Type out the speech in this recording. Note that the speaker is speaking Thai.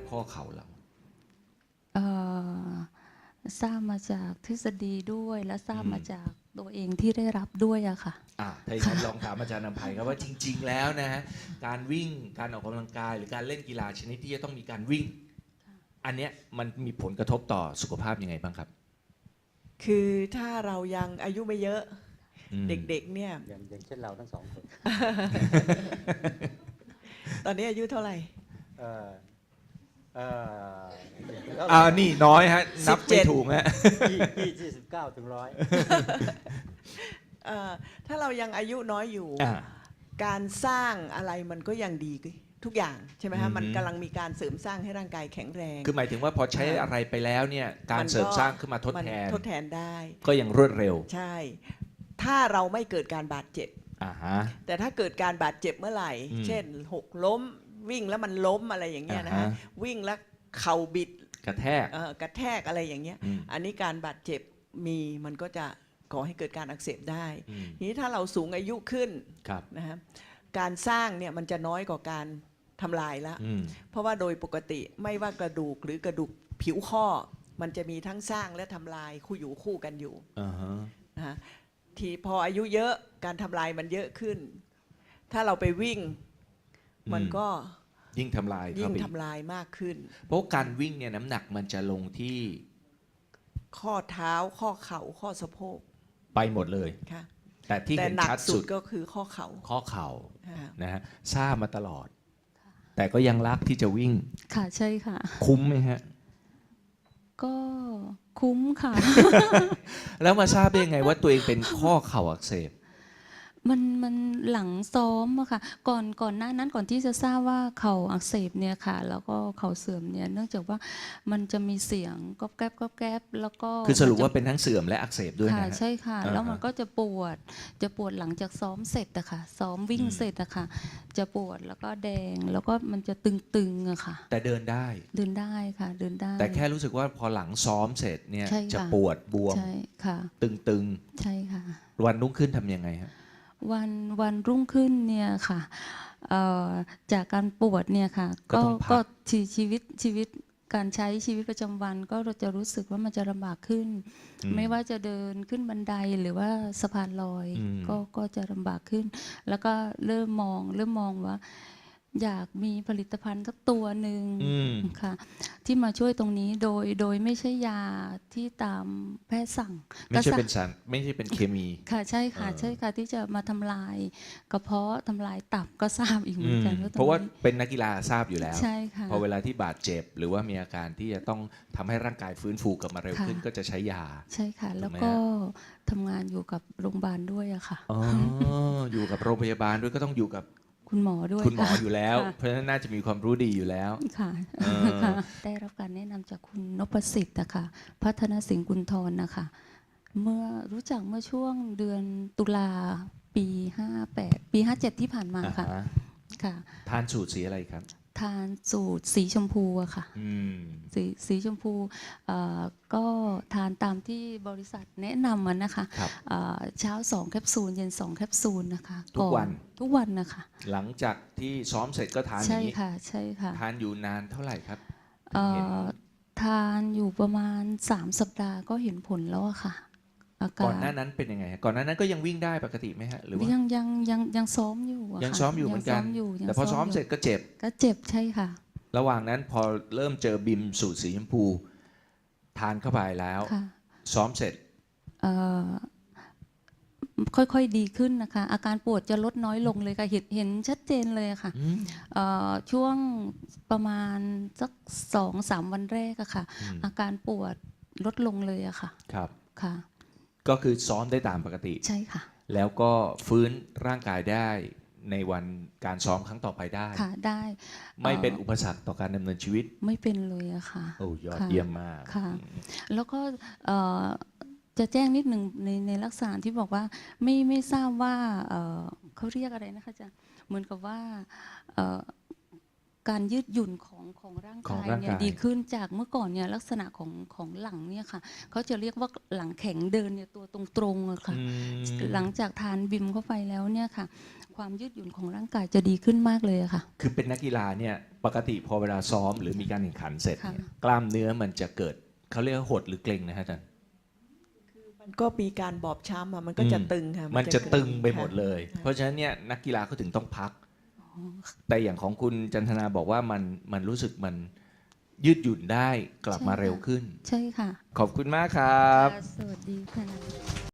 ข้อเข่าเราเอ่อทราบมาจากทฤษฎีด้วยและทราบมาจากตัวเองที่ได้รับด้วยอะค่ะถ้าอย่างนั้นลองถามอาจารย์นำไพครับว่าจริงๆแล้วนะฮะการวิ่งการออกกำลังกายหรือการเล่นกีฬาชนิดที่จะต้องมีการวิ่งอันเนี้ยมันมีผลกระทบต่อสุขภาพยังไงบ้างครับคือถ้าเรายังอายุไม่เยอะเด็กๆเนี่ยอย่างเช่นเราทั้งสองคนตอนนี้อายุเท่าไหร่เอ่อเอ่อนี่น้อยฮะนับไม่ถูกฮะยี่สิบเก้าถึง100 ถ้าเรายังอายุน้อยอยู่การสร้างอะไรมันก็ยังดีทุกอย่างใช่ไหมฮะมันกำลังมีการเสริมสร้างให้ร่างกายแข็งแรงคือหมายถึงว่าพอใช้อะไรไปแล้วเนี่ยการเสริมสร้างขึ้นมาทดแทนได้ก็ยังรวดเร็วใช่ถ้าเราไม่เกิดการบาดเจ็บแต่ถ้าเกิดการบาดเจ็บเมื่อไหร่เช่นหกล้มวิ่งแล้วมันล้มอะไรอย่างเงี้ยนะฮะวิ่งแล้วเข่าบิดกระแทกอะไรอย่างเงี้ยอันนี้การบาดเจ็บมันก็จะก่อให้เกิดการอักเสบได้ทีนี้ถ้าเราสูงอายุขึ้นนะฮะการสร้างเนี่ยมันจะน้อยกว่าการทำลายแล้วเพราะว่าโดยปกติไม่ว่ากระดูกหรือกระดูกผิวข้อมันจะมีทั้งสร้างและทำลายคู่อยู่คู่กันอยู่นะฮะทีพออายุเยอะการทำลายมันเยอะขึ้นถ้าเราไปวิ่งมันก็ยิ่งทำลายมากขึ้นเพราะการวิ่งเนี่ยน้ำหนักมันจะลงที่ข้อเท้าข้อเข่าข้อสะโพกไปหมดเลยแต่ที่เห็นชัดสุดก็คือข้อเข่านะฮะทราบมาตลอดแต่ก็ยังรักที่จะวิ่งค่ะใช่ค่ะคุ้มไหมฮะก็คุ้มค่ะแล้วมาทราบได้ยังไงว่าตัวเองเป็นข้อเข่าอักเสบมันหลังซ้อมอะค่ะก่อนหน้านั้นก่อนที่จะทราบว่าเข่าอักเสบเนี่ยค่ะแล้วก็เข่าเสื่อมเนี่ยเนื่องจากว่ามันจะมีเสียงก๊อบแก๊บก๊อบแก๊บแล้วก็คือสรุปว่าเป็นทั้งเสื่อมและอักเสบด้วยนะใช่ค่ะแล้วมันก็จะปวดหลังจากซ้อมเสร็จอะค่ะซ้อมวิ่งเสร็จอะค่ะจะปวดแล้วก็แดงแล้วก็มันจะตึงๆอะค่ะแต่เดินได้ค่ะเดินได้แต่แค่รู้สึกว่าพอหลังซ้อมเสร็จเนี่ยจะปวดบวมใช่ค่ะตึงใช่ค่ะวันรุ่งขึ้นทำยังไงครับวันรุ่งขึ้นเนี่ยค่ะจากการปวดเนี่ยค่ะก็ชีวิตการใช้ชีวิตประจำวันก็เราจะรู้สึกว่ามันจะลำบากขึ้นไม่ว่าจะเดินขึ้นบันไดหรือว่าสะพานลอยก็จะลำบากขึ้นแล้วก็เริ่มมองว่าอยากมีผลิตภัณฑ์สักตัวหนึ่งค่ะที่มาช่วยตรงนี้โดยไม่ใช่ยาที่ตามแพทย์สั่งไม่ใช่เป็นสารไม่ใช่เป็นเคมีค่ะใช่ค่ะที่จะมาทำลายกระเพาะทำลายตับก็ทราบอีกเหมือนกันเพราะว่าเป็นนักกีฬาทราบอยู่แล้วใช่ค่ะพอเวลาที่บาดเจ็บหรือว่ามีอาการที่จะต้องทำให้ร่างกายฟื้นฟูกลับมาเร็วขึ้นก็จะใช้ยาใช่ค่ะแล้วก็ทำงานอยู่กับโรงพยาบาลด้วยอะค่ะอยู่กับโรงพยาบาลด้วยก็ต้องอยู่กับคุณหมอด้วยคุณหมออยู่แล้วเพราะฉะนั้นน่าจะมีความรู้ดีอยู่แล้วค่ะได้รับการแนะนำจากคุณนพสิทธิ์นะคะพัฒนสิงห์กุลธรนะคะเมื่อรู้จักเมื่อช่วงเดือนตุลาปี58ปี57ที่ผ่านมาค่ะทานสูตรสีอะไรครับทานสูตรสีชมพูอะค่ะสีชมพูก็ทานตามที่บริษัทแนะนำมันนะคะเช้า2แคปซูลเย็น2แคปซูลนะคะทุกวันนะคะหลังจากที่ซ้อมเสร็จก็ทานอย่างนี้ใช่ค่ะทานอยู่นานเท่าไหร่ครับทานอยู่ประมาณ3สัปดาห์ก็เห็นผลแล้วอะค่ะก่อนหน้านั้นเป็นยังไงก่อนหน้านั้นก็ยังวิ่งได้ปกติไหมฮะหรือว่ายังซ้อมอยู่ยังซ้อมอยู่เหมือนกันแต่พอซ้อมเสร็จก็เจ็บใช่ค่ะระหว่างนั้นพอเริ่มเจอบิมสูตรสีชมพูทานเข้าไปแล้วซ้อมเสร็จค่อยๆดีขึ้นนะคะอาการปวดจะลดน้อยลงเลยค่ะเห็นชัดเจนเลยค่ะช่วงประมาณสัก 2-3 วันแรกอะค่ะอาการปวดลดลงเลยอะค่ะครับค่ะก็คือซ้อมได้ตามปกติใช่ค่ะแล้วก็ฟื้นร่างกายได้ในวันการซ้อมครั้งต่อไปได้ค่ะได้ไม่เป็นอุปสรรคต่อการดำเนินชีวิตไม่เป็นเลยอะค่ะโอ้ยอดเยี่ยมมากค่ะแล้วก็จะแจ้งนิดหนึ่งในลักษณะที่บอกว่าไม่ทราบว่าเขาเรียกอะไรนะคะอาจารย์เหมือนกับว่าการยืดหยุ่นของร่างของกายร่างเนี่ยกายดีขึ้นจากเมื่อก่อนเนี่ยลักษณะของหลังเนี่ยค่ะเขาจะเรียกว่าหลังแข็งเดินเนี่ยตัวตรงๆอะค่ะอืมหลังจากทานบิมเข้าไปแล้วเนี่ยค่ะ ความยืดหยุ่นของร่างกายจะดีขึ้นมากเลยอะค่ะคือเป็นนักกีฬาเนี่ยปกติพอเวลาซ้อมหรือมีการแข่งขันเสร็จเนี่ยค่ะกล้ามเนื้อมันจะเกิดเขาเรียกว่าหดหรือเกร็งนะฮะอาจารย์มันก็มีการบอบช้ำอะมันก็จะตึงค่ะมันจะตึงไปหมดค่ะเลย เพราะฉะนั้นเนี่ยนักกีฬาเขาถึงต้องพัก แต่อย่างของคุณจันทนาบอกว่ามันรู้สึกมันยืดหยุ่นได้กลับมาใช่ค่ะเร็วขึ้นใช่ค่ะขอบคุณมากครับค่ะสวัสดีค่ะ